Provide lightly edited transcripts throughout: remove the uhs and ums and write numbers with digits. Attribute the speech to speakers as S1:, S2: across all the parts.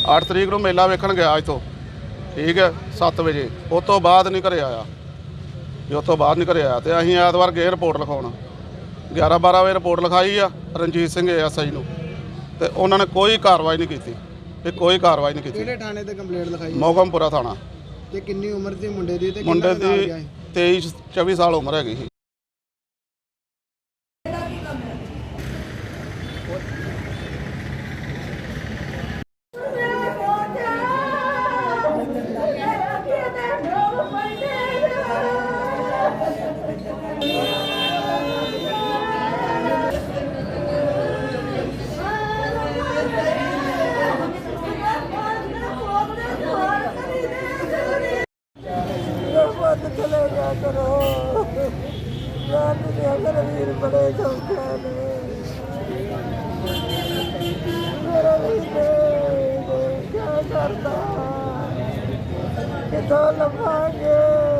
S1: 8 ਤਰੀਕ ਨੂੰ ਮੇਲਾ ਵੇਖਣ ਗਿਆ ਇੱਥੋਂ, ਠੀਕ ਹੈ 7 ਵਜੇ। ਉਸ ਤੋਂ ਬਾਅਦ ਨਹੀਂ ਘਰੇ ਆਇਆ, ਜੇ ਉਸ ਤੋਂ ਬਾਅਦ ਨਹੀਂ ਘਰੇ ਆਇਆ ਤੇ ਅਸੀਂ ਐਤਵਾਰ ਗਏ ਰਿਪੋਰਟ ਲਿਖਾਉਣ। 11-12 ਵਜੇ ਰਿਪੋਰਟ ਲਿਖਾਈ ਆ ਰਣਜੀਤ ਸਿੰਘ ਐਸਆਈ ਨੂੰ, ਤੇ ਉਹਨਾਂ ਨੇ ਕੋਈ ਕਾਰਵਾਈ ਨਹੀਂ ਕੀਤੀ। ਇਹ ਕੋਈ ਕਾਰਵਾਈ ਨਹੀਂ ਕੀਤੀ।
S2: ਕਿਹੜੇ ਥਾਣੇ ਤੇ ਕੰਪਲੇਂਟ ਲਿਖਾਈ?
S1: ਮੋਗਮਪੁਰਾ ਥਾਣਾ।
S2: ਤੇ ਕਿੰਨੀ ਉਮਰ ਸੀ ਮੁੰਡੇ ਦੀ? ਤੇ
S1: ਮੁੰਡੇ ਦੀ 23-24 ਸਾਲ ਉਮਰ ਹੈਗੀ ਸੀ।
S3: चले जा करो अगर वीर बड़े चौके ने मेरा वीर क्या करता कितों लभांगे।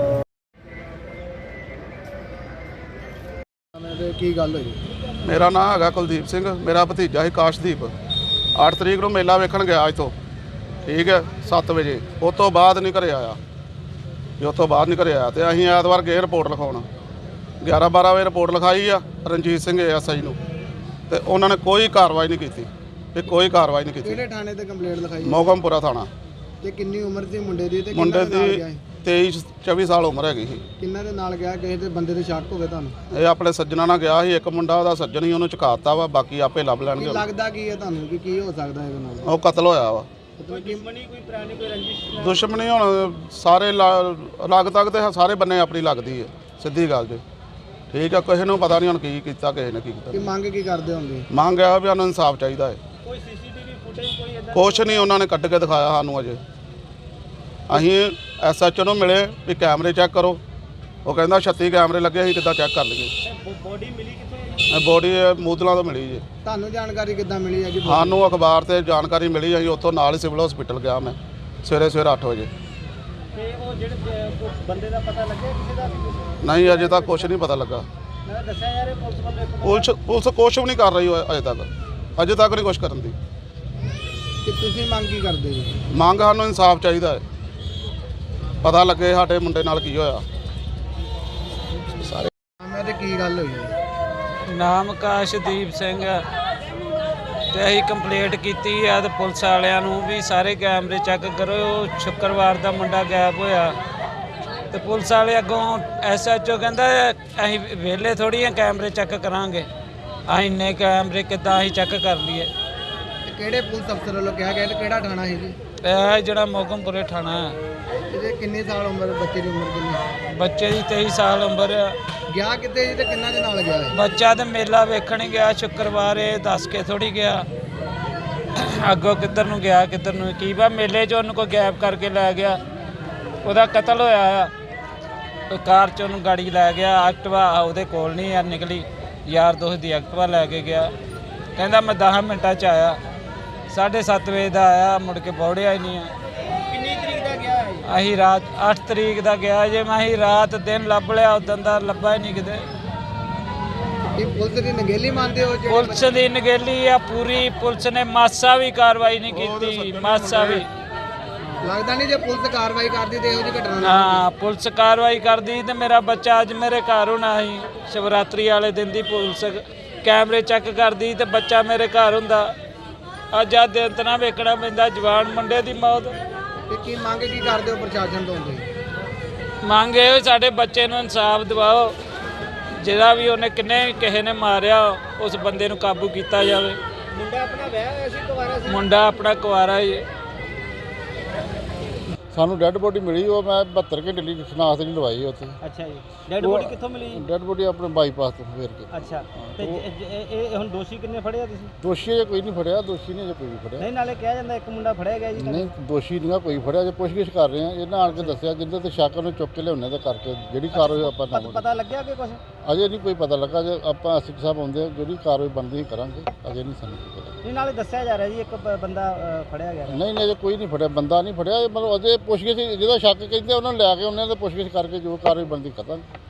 S2: ਕੀ ਗੱਲ ਹੋਈ?
S1: ਮੇਰਾ ਨਾਮ ਹੈਗਾ ਕੁਲਦੀਪ ਸਿੰਘ, ਮੇਰਾ ਭਤੀਜਾ ਸੀ ਕਾਸ਼ਦੀਪ। 8 ਤਰੀਕ ਨੂੰ ਮੇਲਾ ਵੇਖਣ ਗਿਆ ਇੱਥੋਂ, ਠੀਕ ਹੈ 7 ਵਜੇ। ਉਸ ਤੋਂ ਬਾਅਦ ਨਹੀਂ ਘਰੇ ਆਇਆ, ਜੇ ਉਸ ਤੋਂ ਬਾਅਦ ਨਹੀਂ ਘਰੇ ਆਇਆ ਤੇ ਅਸੀਂ ਐਤਵਾਰ ਗਏ ਰਿਪੋਰਟ ਲਿਖਾਉਣ। 11-12 ਵਜੇ ਰਿਪੋਰਟ ਲਿਖਾਈ ਆ ਰਣਜੀਤ ਸਿੰਘ ਐਸਆਈ ਨੂੰ, ਤੇ ਉਹਨਾਂ ਨੇ ਕੋਈ ਕਾਰਵਾਈ ਨਹੀਂ ਕੀਤੀ। ਇਹ ਕੋਈ ਕਾਰਵਾਈ ਨਹੀਂ ਕੀਤੀ।
S2: ਕਿਹੜੇ ਥਾਣੇ ਤੇ ਕੰਪਲੇਂਟ ਲਿਖਾਈ?
S1: ਮੋਗਮਪੁਰਾ ਥਾਣਾ।
S2: ਤੇ ਕਿੰਨੀ ਉਮਰ ਸੀ ਮੁੰਡੇ ਦੀ? ਤੇ
S1: ਮੁੰਡੇ
S2: ਕਿੰਨਾ ਦੇ ਨਾਲ ਗਿਆ?
S1: ਦੀ 23-24 ਸਾਲ ਉਮਰ ਹੈਗੀ ਸੀ।
S2: ਕਿੰਨਾ ਦੇ ਨਾਲ ਗਿਆ? ਕਿਸੇ ਦੇ ਬੰਦੇ ਦੇ ਸ਼ੱਕ ਹੋਵੇ ਤੁਹਾਨੂੰ?
S1: ਇਹ ਆਪਣੇ ਸੱਜਣਾ ਨਾਲ ਗਿਆ ਸੀ। ਇੱਕ ਮੁੰਡਾ ਉਹਦਾ ਸੱਜਣ ਹੀ, ਉਹਨੂੰ ਚੁਕਾਤਾ ਵਾ, ਬਾਕੀ ਆਪੇ ਲੱਭ ਲੈਣਗੇ।
S2: ਲੱਗਦਾ ਕੀ ਹੈ ਤੁਹਾਨੂੰ ਕਿ ਕੀ ਹੋ ਸਕਦਾ ਇਹਦੇ ਨਾਲ?
S1: ਉਹ ਕਤਲ ਹੋਇਆ ਵਾ।
S2: ਦੁਸ਼ਮਣੀ ਕੋਈ ਪੁਰਾਣੀ ਕੋਈ ਰੰਜਿਸ਼?
S1: ਦੁਸ਼ਮਣੀ ਹੁਣ ਸਾਰੇ ਲੱਗ ਤੱਕ ਤੇ ਸਾਰੇ ਬੰਨੇ ਆਪਣੀ ਲੱਗਦੀ ਹੈ, ਸਿੱਧੀ ਗੱਲ ਜੀ, ਠੀਕ ਆ। ਕਿਸੇ ਨੂੰ ਪਤਾ ਨਹੀਂ ਹੁਣ ਕੀ ਕੀਤਾ, ਕਿਸੇ ਨੇ ਕੀ
S2: ਕਿ
S1: ਕੀਤਾ।
S2: ਮੰਗ ਕੀ ਕਰਦੇ ਹੋਗੇ?
S1: ਮੰਗ ਆ ਵੀ ਸਾਨੂੰ ਇਨਸਾਫ ਚਾਹੀਦਾ ਹੈ।
S2: ਕੋਈ ਸੀਸੀਟੀਵੀ ਫੁਟੇਜ ਕੋਈ ਇਦਾਂ?
S1: ਕੁਛ ਨਹੀਂ ਉਹਨਾਂ ਨੇ ਕੱਢ ਕੇ ਦਿਖਾਇਆ ਸਾਨੂੰ ਅਜੇ। ਅਸੀਂ ਐਸਐਚਓ ਨੂੰ ਮਿਲੇ ਵੀ ਕੈਮਰੇ ਚੈੱਕ ਕਰੋ, ਉਹ ਕਹਿੰਦਾ 36 ਕੈਮਰੇ ਲੱਗੇ, ਅਸੀਂ ਕਿੱਦਾਂ ਚੈੱਕ ਕਰ ਲਈਏ।
S2: ਬੋਡੀ ਮਿਲੀ ਕਿੱਥੋਂ?
S1: ਬੋਡੀ ਮੂਦਲਾਂ ਤੋਂ ਮਿਲੀ ਜੀ।
S2: ਤੁਹਾਨੂੰ ਜਾਣਕਾਰੀ ਕਿੱਦਾਂ ਮਿਲੀ ਹੈ ਜੀ?
S1: ਸਾਨੂੰ ਅਖਬਾਰ ਤੇ ਜਾਣਕਾਰੀ ਮਿਲੀ, ਅਸੀਂ ਉੱਥੋਂ ਨਾਲ ਹੀ ਸਿਵਲ ਹਸਪੀਟਲ ਗਿਆ ਮੈਂ ਸਵੇਰੇ 8 ਵਜੇ।
S2: ਤੇ ਉਹ ਜਿਹੜੇ ਬੰਦੇ ਦਾ ਪਤਾ ਲੱਗਿਆ ਕਿਸੇ ਦਾ?
S1: ਨਹੀਂ ਅਜੇ ਤੱਕ ਕੁਛ ਨਹੀਂ ਪਤਾ ਲੱਗਾ।
S2: ਮੈਂ ਦੱਸਿਆ ਯਾਰ ਇਹ ਪੁਲਿਸ ਵੱਲੋਂ
S1: ਪੁਲਿਸ ਕੁਛ ਵੀ ਨਹੀਂ ਕਰ ਰਹੀ ਅਜੇ ਤੱਕ ਨਹੀਂ ਕੁਛ ਕਰਨ ਦੀ।
S2: ਕਿ ਤੁਸੀਂ ਮੰਗ ਕੀ ਕਰਦੇ ਜੀ?
S1: ਮੰਗ ਸਾਨੂੰ ਇਨਸਾਫ ਚਾਹੀਦਾ ਹੈ, ਪਤਾ ਲੱਗੇ ਸਾਡੇ ਮੁੰਡੇ ਨਾਲ ਕੀ ਹੋਇਆ। ਸਾਰੇ
S2: ਮੈਂ ਤੇ ਕੀ ਗੱਲ ਹੋਈ?
S4: ਨਾਮ ਕਾਸ਼ਦੀਪ ਸਿੰਘ ਤੇ ਅਸੀਂ ਕੰਪਲੇਂਟ ਕੀਤੀ ਆ ਤੇ ਪੁਲਿਸ ਵਾਲਿਆਂ ਨੂੰ ਵੀ ਸਾਰੇ ਕੈਮਰੇ ਚੈੱਕ ਕਰੋ। ਸ਼ੁੱਕਰਵਾਰ ਦਾ ਮੁੰਡਾ ਗਾਇਬ ਹੋਇਆ ਤੇ ਪੁਲਿਸ ਵਾਲੇ ਅੱਗੋਂ ਐਸਐਚਓ ਕਹਿੰਦਾ ਅਸੀਂ ਵਿਹਲੇ ਥੋੜ੍ਹੀ ਆ ਕੈਮਰੇ ਚੈੱਕ ਕਰਾਂਗੇ, ਅਸੀਂ ਇੰਨੇ ਕੈਮਰੇ ਕਿੱਦਾਂ ਅਸੀਂ ਚੈੱਕ ਕਰ ਲਈਏ।
S2: ਕਿਹੜੇ ਪੁਲਿਸ ਅਫਸਰ ਵੱਲੋਂ ਕਿਹਾ ਗਿਆ? ਕਿਹੜਾ ਥਾਣਾ ਸੀ ਜੀ?
S4: ਇਹ ਜਿਹੜਾ ਮੋਗਮਪੁਰੇ ਥਾਣਾ ਹੈ।
S2: ਇਹਦੇ ਕਿੰਨੇ ਸਾਲ ਉਮਰ? ਬੱਚੇ ਦੀ ਉਮਰ ਕਿੰਨੀ?
S4: ਬੱਚੇ ਦੀ 23 ਸਾਲ ਉਮਰ ਆ।
S2: ਗਿਆ ਕਿੱਥੇ ਜੀ ਤੇ ਕਿੰਨਾ ਦੇ ਨਾਲ ਗਿਆ ਹੈ?
S4: ਬੱਚਾ ਤੇ ਮੇਲਾ ਵੇਖਣ ਹੀ ਗਿਆ ਸ਼ੁੱਕਰਵਾਰ, ਇਹ ਦੱਸ ਕੇ ਥੋੜੀ ਗਿਆ ਅੱਗੋਂ ਕਿੱਧਰ ਨੂੰ ਗਿਆ ਕਿੱਧਰ ਨੂੰ ਕੀ ਵਾ। ਮੇਲੇ 'ਚ ਉਹਨੂੰ ਕੋਈ ਗਾਇਬ ਕਰਕੇ ਲੈ ਗਿਆ, ਉਹਦਾ ਕਤਲ ਹੋਇਆ ਆ। ਕਾਰ 'ਚ ਉਹਨੂੰ ਗਾੜੀ ਲੈ ਗਿਆ, ਐਕਟਿਵਾ ਉਹਦੇ ਕੋਲ ਨਹੀਂ ਯਾਰ ਨਿਕਲੀ, ਯਾਰ ਦੋਸਤ ਦੀ ਐਕਟਿਵਾ ਲੈ ਕੇ ਗਿਆ। ਕਹਿੰਦਾ ਮੈਂ 10 ਮਿੰਟਾਂ 'ਚ ਆਇਆ, 7:30 ਵਜੇ ਦਾ ਆਇਆ, ਮੁੜ ਕੇ ਪਹੁੰਚਿਆ ਹੀ ਨਹੀਂ ਆ।
S2: ਕਿੰਨੀ ਤਰੀਕ ਦਾ ਗਿਆ ਹੈ?
S4: ਅਸੀਂ ਰਾਤ 8 ਤਰੀਕ ਦਾ ਗਿਆ ਜੇ ਮੈਂ ਅਸੀਂ ਰਾਤ ਦਿਨ ਲੱਭ ਲਿਆ, ਉਦੋਂ ਦਾ ਲੱਭਾ ਹੀ ਨਹੀਂ ਕਿਤੇ।
S2: ਇਹ ਪੁਲਿਸ ਦੀ ਨਗੇਲੀ ਮੰਨਦੇ ਹੋ?
S4: ਪੁਲਿਸ ਦੀ ਨਗੇਲੀ ਆ ਪੂਰੀ, ਪੁਲਿਸ ਨੇ ਮਾਸਾ ਵੀ ਕਾਰਵਾਈ ਨਹੀਂ ਕੀਤੀ, ਮਾਸਾ ਵੀ।
S2: ਲੱਗਦਾ ਨਹੀਂ ਜੇ ਪੁਲਿਸ ਕਾਰਵਾਈ ਕਰਦੀ ਤੇ ਇਹੋ ਜਿਹੀ ਘਟਨਾ ਨਾ
S4: ਹਾਂ ਪੁਲਿਸ ਕਾਰਵਾਈ ਕਰਦੀ ਤੇ ਮੇਰਾ ਬੱਚਾ ਅੱਜ ਮੇਰੇ ਘਰ ਹੋਣਾ ਸੀ। ਸ਼ਿਵਰਾਤਰੀ ਵਾਲੇ ਦਿਨ ਦੀ ਪੁਲਿਸ ਕੈਮਰੇ ਚੈੱਕ ਕਰਦੀ ਤੇ ਬੱਚਾ ਮੇਰੇ ਘਰ ਹੁੰਦਾ। ਅੱਜ ਆ ਦਿਨ ਤਾਂ ਨਾ ਵੇਖਣਾ ਪੈਂਦਾ ਜਵਾਨ ਮੁੰਡੇ ਦੀ ਮੌਤ।
S2: ਤੇ ਕੀ ਮੰਗ ਕੀ ਕਰਦੇ ਹੋ ਪ੍ਰਸ਼ਾਸਨ ਤੋਂ? ਤੁਸੀਂ
S4: ਮੰਗ ਇਹ ਸਾਡੇ ਬੱਚੇ ਨੂੰ ਇਨਸਾਫ ਦਿਵਾਓ, ਜਿਹੜਾ ਵੀ ਉਹਨੇ ਕਿਸੇ ਨੇ ਮਾਰਿਆ ਉਸ ਬੰਦੇ ਨੂੰ ਕਾਬੂ ਕੀਤਾ ਜਾਵੇ।
S2: ਮੁੰਡਾ ਆਪਣਾ ਵਿਆਹ ਹੋਇਆ ਸੀ, ਕੁਵਾਰਾ ਸੀ?
S4: ਮੁੰਡਾ ਆਪਣਾ ਕੁਆਰਾ ਹੀ।
S5: ਸਾਨੂੰ ਡੈੱਡ ਬੋਡੀ ਮਿਲੀ, ਉਹ ਮੈਂ 72 ਘੰਟੇ ਲਈ ਸ਼ਨਾਖਤ ਨਹੀਂ ਲਵਾਈ ਉੱਥੇ।
S2: ਅੱਛਾ ਜੀ। ਡੈਡ ਬੋਡੀ ਕਿੱਥੋਂ ਮਿਲੀ?
S5: ਡੈੱਡ ਬੋਡੀ ਆਪਣੇ ਬਾਈਪਾਸ ਤੋਂ ਫੇਰ ਕੇ।
S2: ਅੱਛਾ। ਤੇ ਇਹ ਹੁਣ ਦੋਸ਼ੀ ਕਿੰਨੇ ਫੜਿਆ ਤੁਸੀਂ?
S5: ਦੋਸ਼ੀ ਅਜੇ ਕੋਈ ਨਹੀਂ ਫੜਿਆ, ਦੋਸ਼ੀ ਨੇ ਅਜੇ ਕੋਈ ਨਹੀਂ ਫੜਿਆ।
S2: ਨਹੀਂ, ਨਾਲੇ ਕਿਹਾ ਜਾਂਦਾ ਇੱਕ ਮੁੰਡਾ ਫੜਿਆ ਗਿਆ ਜੀ।
S5: ਨਹੀਂ ਦੋਸ਼ੀ ਨਹੀਂ ਕੋਈ ਫੜਿਆ, ਜੇ ਪੁੱਛਗਿੱਛ ਕਰ ਰਹੇ ਆ। ਇਹਨਾਂ ਆਣ ਕੇ ਦੱਸਿਆ ਜਿੰਦੇ ਤੇ ਸ਼ੱਕ ਨੂੰ ਚੁੱਕ ਕੇ ਲਿਆਉਣੇ ਤੇ ਕਰਕੇ ਜਿਹੜੀ ਕਾਰਵਾਈ ਆਪਾਂ ਨਾ
S2: ਪਤਾ ਲੱਗਿਆ ਕਿ ਕੁਝ?
S5: ਅਜੇ ਨਹੀਂ ਕੋਈ ਪਤਾ ਲੱਗਾ। ਜੇ ਆਪਾਂ ਐਸਪੀ ਸਾਹਿਬ ਆਉਂਦੇ ਜਿਹੜੀ ਕਾਰਵਾਈ ਬਣਦੀ ਕਰਾਂਗੇ, ਅਜੇ ਨਹੀਂ ਸਾਨੂੰ ਕੋਈ ਪਤਾ।
S2: ਨਹੀਂ, ਨਾਲੇ ਦੱਸਿਆ ਜਾ ਰਿਹਾ ਜੀ ਇੱਕ ਬੰਦਾ ਫੜਿਆ ਗਿਆ।
S5: ਨਹੀਂ ਅਜੇ ਕੋਈ ਨਹੀਂ ਫੜਿਆ, ਬੰਦਾ ਨਹੀਂ ਫੜਿਆ। ਮਤਲਬ ਅਜੇ ਪੁੱਛਗਿੱਛ ਜਿਹਦਾ ਸ਼ੱਕ ਕਹਿੰਦੇ ਉਹਨਾਂ ਨੂੰ ਲੈ ਕੇ ਉਹਨਾਂ ਦੇ ਪੁੱਛਗਿੱਛ ਕਰਕੇ ਜੋ ਕਾਰਵਾਈ ਬਣਦੀ ਕਰਾਂਗੇ।